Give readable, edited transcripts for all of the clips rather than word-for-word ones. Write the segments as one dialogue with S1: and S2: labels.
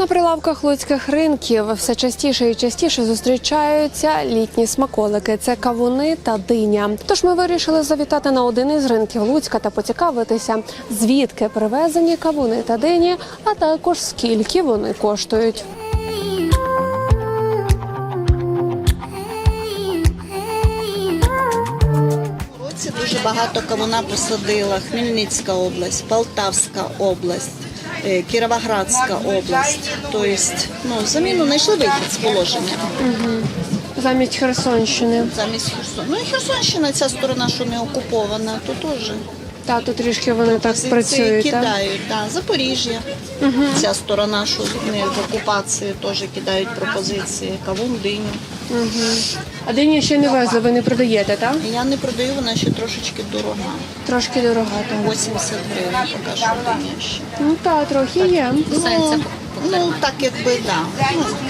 S1: На прилавках луцьких ринків все частіше і частіше зустрічаються літні смаколики – це кавуни та диня. Тож ми вирішили завітати на один із ринків Луцька та поцікавитися, звідки привезені кавуни та дині, а також скільки вони коштують.
S2: Дуже багато кавуна посадила Хмельницька область, Полтавська область, Кіровоградська область. Тобто, заміну знайшли вихід з положення.
S1: Замість Херсонщини.
S2: Замість Херсона. Ну і Херсонщина, ця сторона, що не окупована, то теж.
S1: Та, тут трішки вони так працюють, так?
S2: Кидають, так. Запоріжжя. Ця сторона, що не в окупації, теж кидають пропозиції. Кавун, диню.
S1: А дині ще не везли, ви не продаєте, так?
S2: Я не продаю, вона ще трошечки дорога.
S1: Трошки дорога, так.
S2: 80 гривень поки що диня ще.
S1: Ну так, трохи є.
S2: Ну, так якби, так.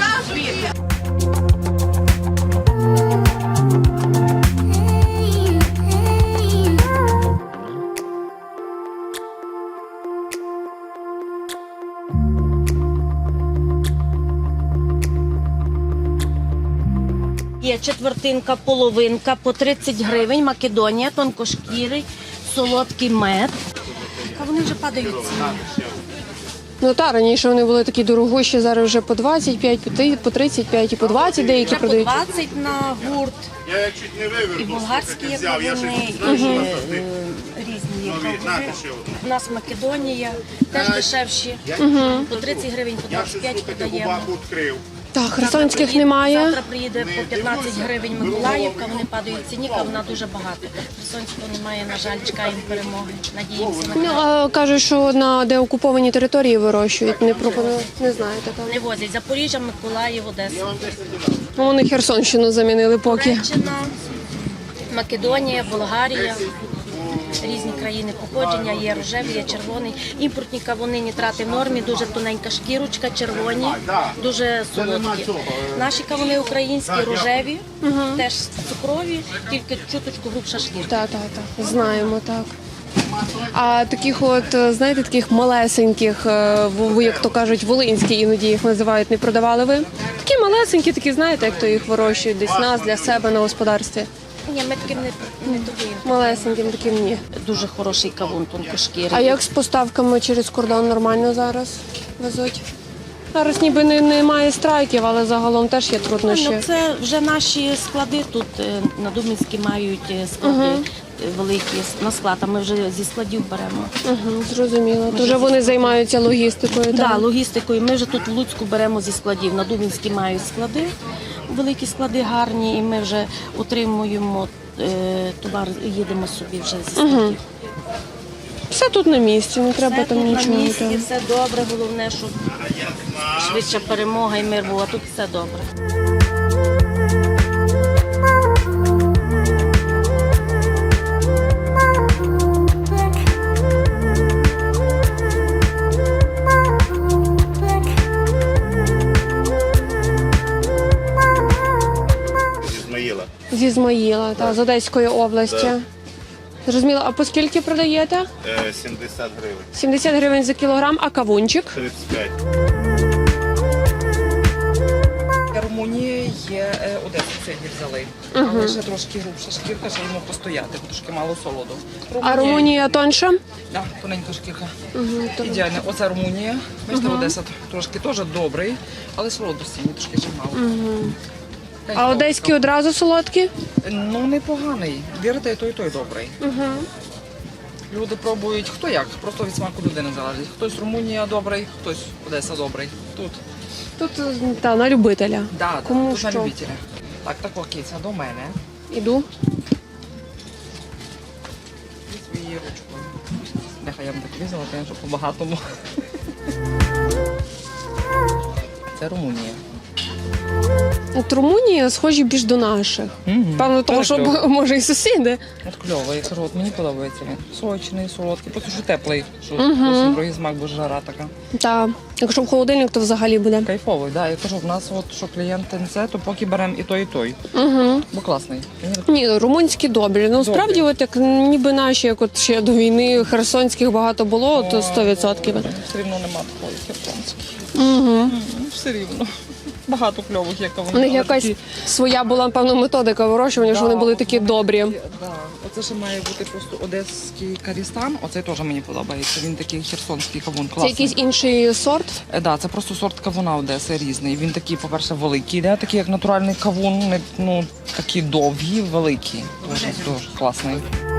S3: Є четвертинка, половинка по 30 гривень, Македонія, тонкошкірий, солодкий мед. А вони вже падають ціни.
S1: Ну так, раніше вони були такі дорогущі, зараз вже по 25, по 35 і по 20 деякі
S3: Вже по
S1: продають.
S3: 20 на гурт. І болгарські є кавуни, і різні є кавуни. У нас Македонія, теж дешевші. По 30 гривень, по 25 подаємо.
S1: Так, херсонських немає.
S3: Завтра приїде по 15 гривень Миколаївка, вони падають в ціні, вона дуже багато. Херсонського немає, на жаль, чекаємо перемоги. Надіємося на
S1: Ну,
S3: краще.
S1: а кажуть, що на деокупованій території вирощують. Не пропоную, не знаєте. Так.
S3: Не возять. Запоріжжя, Миколаїв, Одеса.
S1: Ну, вони Херсонщину замінили поки.
S3: Туреччина, Македонія, Болгарія. Різні країни походження, є рожевий, є червоний. Імпортні кавуни нітрати в нормі, дуже тоненька шкірочка, червоні, дуже солодкі. Наші кавуни українські, рожеві, теж цукрові, тільки чуточку грубша шкірка.
S1: Так, знаємо, так. А таких от, знаєте, таких малесеньких, як то кажуть, волинські іноді їх називають, не продавали ви? Такі малесенькі, такі, знаєте, як то їх вирощують десь нас, для себе на господарстві.
S3: Ні, ми таким не торгуємо.
S1: Малесеньким таким ні.
S3: Дуже хороший кавун, тонкошкірий.
S1: А як з поставками через кордон нормально зараз везуть? Зараз ніби немає страйків, але загалом теж є труднощі.
S3: Ну, це вже наші склади тут на Дубинській мають склади великі на склад, а ми вже зі складів беремо.
S1: Зрозуміло. То вже вони займаються логістикою, так?
S3: Так, логістикою. Ми вже тут в Луцьку беремо зі складів. На Дубинській мають склади, великі склади гарні, і ми вже отримуємо товар, їдемо собі вже зі складів.
S1: Все тут на місці, не треба
S3: Все
S1: там
S3: тут
S1: нічого.
S3: на місці, все добре, головне, щоб швидша перемога і мир був, а тут все добре.
S1: З Ізмаїла, з Одеської області. Зрозуміло. А по скільки продаєте?
S4: 70 гривень.
S1: 70 гривень за кілограм, а кавунчик?
S4: 35.
S5: Румунії є Одесу сьогодні взяли, але ще трошки грубша шкірка, ще йому постояти, бо трошки мало солоду.
S1: А Румунія тонша?
S5: Так, тоненька шкірка. Ідеально. Оце Румунія. Бачите, Одеса трошки теж добрий, але солодості мені трошки ще мало.
S1: А одеські одразу солодкі?
S5: Ну, непоганий. Вірите, і той добрий. Люди пробують хто як, просто від смаку людини залежить. Хтось Румунія добрий, хтось Одеса добрий. Тут
S1: На любителя. Кому
S5: тут на
S1: що?
S5: любителя. Так, киця до мене.
S1: Іду.
S5: І своєю ручкою. Нехай я б так візила, щоб по-багатому. Це Румунія.
S1: От Румунія схожі більш до наших. Певно, тому що може і сусіди.
S5: От кльовий, я кажу, от мені подобається він. Сочний, солодкий, просто що теплий, що зовсім другий смак, бо жара така.
S1: Так. Якщо в холодильник, то взагалі буде.
S5: Кайфовий, да. Я кажу, в нас от, що клієнти не це, то поки беремо і той, і той. Бо класний.
S1: Ні, румунські добрі. Ну, справді, от як ніби наші, як от ще до війни херсонських багато було, то 100%.
S5: Все рівно нема такої херсонської. все рівно. Багато кльових, як
S1: У
S5: вони.
S1: них якась своя була, напевно, методика вирощування, що вони були такі добрі.
S5: Да. Оце ще має бути просто одеський карістан. Оцей теж мені подобається. Він такий херсонський кавун.
S1: Це
S5: Класний.
S1: якийсь інший сорт.
S5: Да, це просто сорт кавуна Одеси різний. Він такий, по-перше, великий, да? Такий як натуральний кавун, ну, такі довгі, великі. Дуже класний.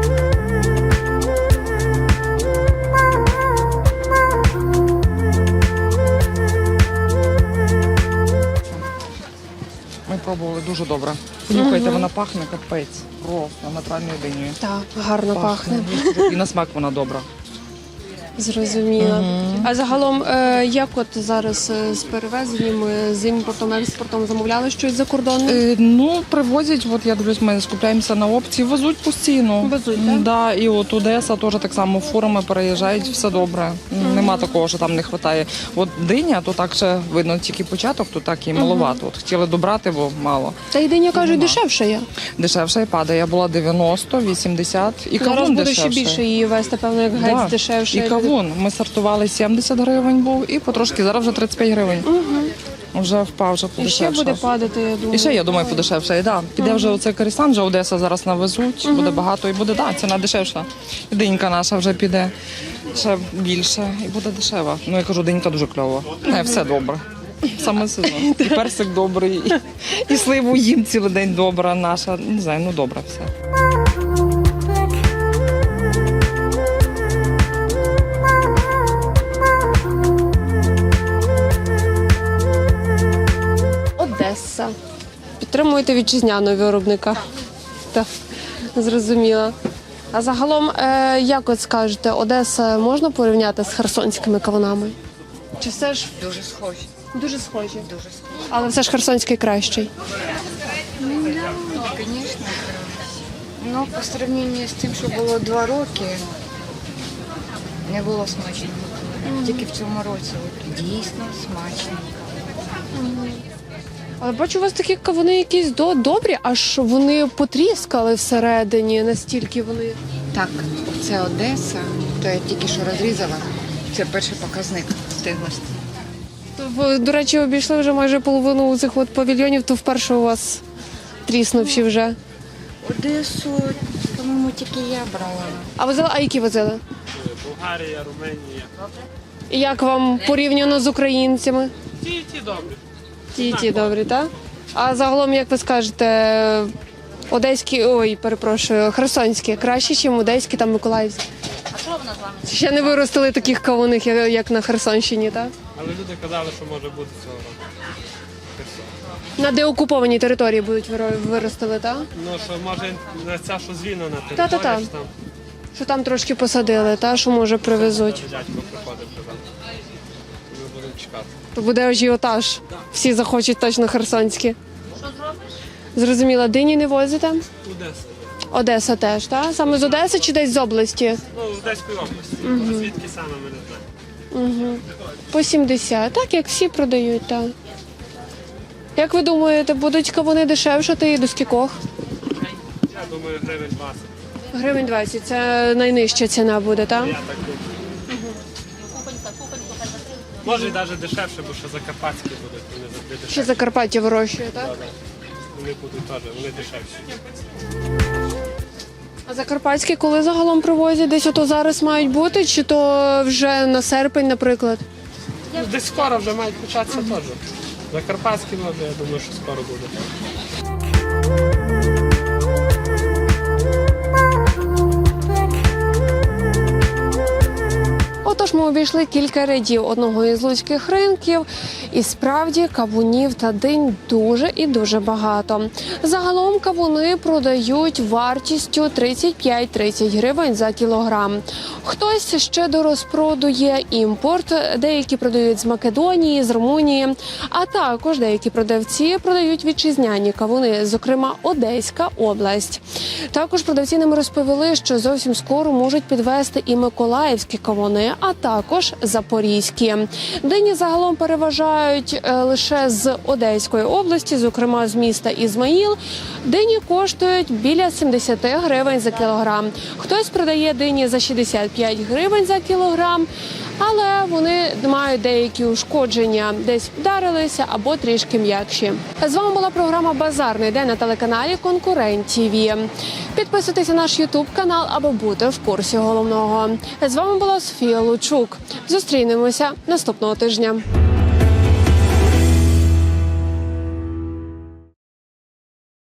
S5: Ми пробували дуже добре. Понюхайте, вона пахне капець. Просто натуральною динею.
S1: Так, гарно пахне.
S5: І на смак вона добра.
S1: Зрозуміло. А загалом, як от зараз з перевезенням, з імпортом, експортом замовляли щось за кордоном?
S5: Ну, привозять, от я дивлюсь, ми скупляємося на опції, везуть постійно.
S1: Везуть, так?
S5: Да, і от Одеса теж так само фурами переїжджають, все добре. Нема такого, що там не вистачає. От диня, то так ще видно тільки початок, то так і маловато. От хотіли добрати, бо мало.
S1: Та й диня, кажуть, дешевше є.
S5: Дешевше і падає. Була 90, 80 і
S1: Зараз
S5: кавун
S1: буде
S5: дешевше.
S1: ще більше її вести, певно, як геть
S5: Да.
S1: дешевше.
S5: І кавун. Ми стартували 70 гривень був і потрошки, зараз вже 35 гривень. Вже впав, вже
S1: І ще
S5: подешевше.
S1: буде падати, я думаю.
S5: І ще, я думаю, подешевше. І, да. Піде вже оцей Карісан, вже Одеса зараз навезуть, буде багато і буде, да, ціна дешевша. І динька наша вже піде ще більше і буде дешева. Ну, я кажу, динька дуже кльова. Все добре. Саме сезон. І персик добрий, і сливу їм цілий день добра наша. Не знаю, ну добре все.
S1: Одеса. Підтримуєте вітчизняного виробника. Так, зрозуміло. А загалом, як от скажете, Одеса можна порівняти з херсонськими кавунами? Чи все ж
S4: Дуже схожі.
S1: дуже схожі?
S4: Дуже схожі.
S1: Але все ж херсонський кращий.
S4: Ну, звісно. Ну, по сравнению з тим, що було 2 роки, не було смачно. Тільки в цьому році от, дійсно смачно.
S1: Але бачу, у вас такі кавуни якісь добрі, аж вони потріскали всередині, настільки вони.
S4: Так, це Одеса, то я тільки що розрізала. Це перший показник стиглості.
S1: Ви, до речі, обійшли вже майже половину цих от павільйонів, то вперше у вас тріснувші вже.
S4: Одесу, по-моєму, тільки я брала.
S1: А які возили?
S6: Болгарія, Румунія.
S1: І як вам порівняно з українцями?
S6: Ті добрі.
S1: Ті добрі, так? А загалом, як ви скажете, херсонські краще, ніж одеські та миколаївські? А що вона з вами? Ще не виростили таких кавуних, як на Херсонщині, так?
S6: Але люди казали, що може бути цього року.
S1: На деокупованій території будуть виростили, так?
S6: Ну, що може не ця, що звільнена
S1: Та-та-та.
S6: територія, що там
S1: Що там трошки посадили, та що може привезуть.
S6: дядько приходив, казав. Ми будемо чекати.
S1: То буде ажіотаж. Всі захочуть точно херсонські. Що зробиш? Зрозуміла, дині не возите?
S6: Одеса.
S1: Одеса теж, так? Саме з Одеси чи десь з області?
S6: Ну, з Одеської області. А звідки саме ми не знаємо.
S1: По 70, так як всі продають, так. Як ви думаєте, будуть кавуни дешевшати і до скількох?
S6: Я думаю, гривень 20.
S1: Гривень 20, це найнижча ціна буде, так?
S6: Я так думаю. Може і навіть дешевше, бо що закарпатські будуть, вони завжди
S1: Ще
S6: дешевші.
S1: Закарпаття вирощує, так?
S6: Вони будуть теж, вони дешевші.
S1: А закарпатські коли загалом привозять? Десь ото зараз мають бути, чи то вже на серпень, наприклад?
S6: Ну, десь скоро вже мають початися теж. Закарпатські, може, я думаю, що скоро буде.
S1: Отож, ми обійшли кілька рядів одного із луцьких ринків, і справді кавунів та динь дуже і дуже багато. Загалом кавуни продають вартістю 35-30 гривень за кілограм. Хтось ще до розпроду є імпорт, деякі продають з Македонії, з Румунії, а також деякі продавці продають вітчизняні кавуни, зокрема Одеська область. Також продавці нам розповіли, що зовсім скоро можуть підвести і миколаївські кавуни, а також запорізькі. Дині загалом переважають лише з Одеської області, зокрема з міста Ізмаїл. Дині коштують біля 70 гривень за кілограм. Хтось продає дині за 65 гривень за кілограм, але вони мають деякі ушкодження, десь вдарилися або трішки м'якші. З вами була програма «Базарний день» на телеканалі «Конкурент ТІВІ». Підписуйтесь на наш ютуб-канал, аби бути в курсі головного. З вами була Софія Лучук. Зустрінемося наступного тижня.